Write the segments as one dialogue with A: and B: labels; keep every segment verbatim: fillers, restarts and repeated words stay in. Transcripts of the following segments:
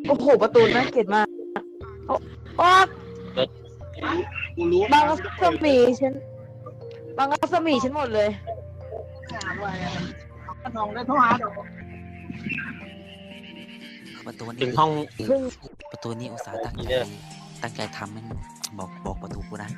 A: โอ้โหประตูน่าเกลียดมากโอ้โอ้
B: กูรู้
A: บางรัศมีฉันบางรัศมีฉันหมดเลย
B: น้องได้โทรหาดอก
C: ประตู
B: ถึ
C: นี้
B: งห้อง
A: เพิ่ง
C: ประตูนี้อุตส่าห์ตั้งใจตั้งใจทำมันบอกบอกประตูกูนะ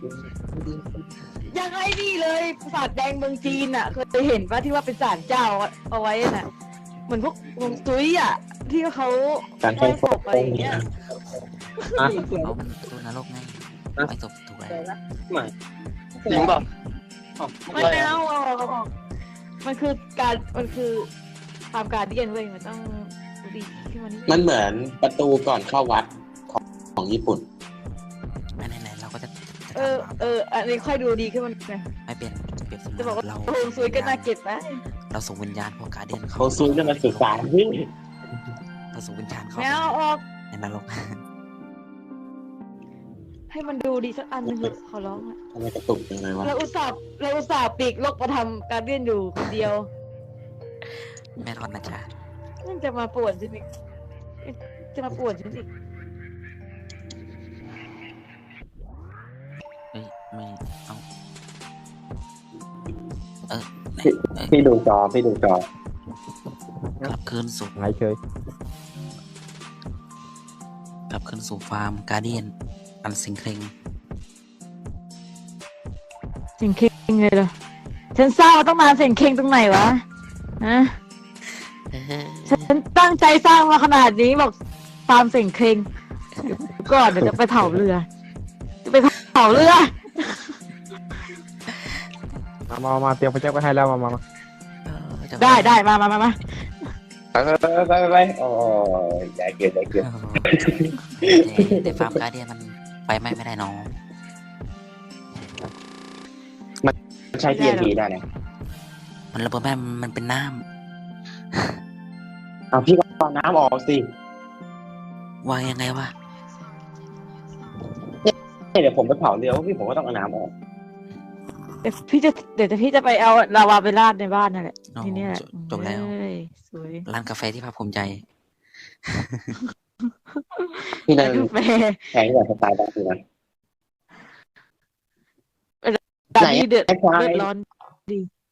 A: ยังไงนี่เลยปราสาทแดงเมืองจีนอ่ะเคยเห็นป่ะที่ว่าเป็นศาลเจ้าเอาไว้น่ะเหมือนพวกฮวงซุยอ่ะที่เขา
D: การใช้
A: ศพอะไรอย่างเงี้ย
C: เอามันประตูนรกไงไม่จบถูกแล้ว
B: ไม่จริงป่ะ
A: ไม่เอาเอาเอาเอามันคือการมันคือความการเดียนเว้ยมันต้องดีขึ้นมานิด
D: มันเหมือนประตูก่อนเข้าวัดของของญี่ปุ่น
C: ไม่ไหนๆเราก็จะจะ
A: เออ
C: ทำ
A: เอออันนี้ค่อยดูดีขึ้นมาไง
C: ไม่เป็นเปรียบเสมื
A: จะบอก
C: อ
A: ว่าน
C: เรา
A: ฮวงซุยก็น่าเกลียดไป
C: เราส่งวิญญาณพวกการเดียนเขา
D: เขาซูจะมาศึกษาที่
C: เราส่งวิญญาณเขา
A: ไม่เอาออก
C: ในนรก
A: ให้มันดูดีสักอันหนึงเถอะขอร้องอะ
D: ทำไมกระตุกยังไงวะ
A: เราอุตส่าห์เราอุตส่าห์ปีกลกมาทำการเดียนอยู่คนเดียว
C: แม่รอดนะจ๊ะ
A: มันจะมาป่วนฉันอีกจะมาป่วนฉันอีก
C: เฮ้ยไม่เอาเออไหนเอ้ย
D: พี่ดูจอพี่ดูจอก
C: ลับคืนสู่
E: หายเฉย
C: กลับคืนสู่ฟาร์มการเดียนอันสิงเคร่ง
A: เสียงเคงเลยเหรอฉันเศร้าต้องมาเสียงเคงตรงไหนวะฮะ
C: เออ
A: ฉันตั้งใจสร้างมาขนาดนี้บอกฟาร์มเสียงเคงเดี๋ยวก่อนเดี๋ยวจะไปเผาเรือจะไปเผาเรือ
E: มามามาเตรียมพระเจ้าก็ให้แล้วมามามา
C: เออจะ
A: ได้ได้มามามามา
D: ไปไปไปไปไปโอ้ยใหญ่เกินใหญ่เกิน
C: เออแต่แต่ฟาร์มการเดียนมันไปไม่ไม่ได้น้อง
D: ใช้ ที เอ็น ที ได้นะ
C: มันระเบิดแม่มันเป็นน้
D: เอาพี่ก็เอาน้ำออกสิ
C: ำวางยังไงวะ
D: เดี๋ยวผมไปเผาเรือพี่ผมก็ต้องเอาน้ำออก
A: เดี๋ยวพี่จะเดี๋ยวพี่จะไปเอาลาวาไปราดในบ้านนั่นแหละ
C: โอ้
A: ทีเนี้ย
C: จบจบแล้ว
A: เอ้ยสวย
C: ร้านกาแฟที่ภาคภูมิใจ
D: พี่นั่น
A: กาแฟ
D: แพงกว่าสไตล์บ้านพี่นะ
A: ตอนนี้เดือด
D: ไอ้ควาย
A: เดือดร้อนดี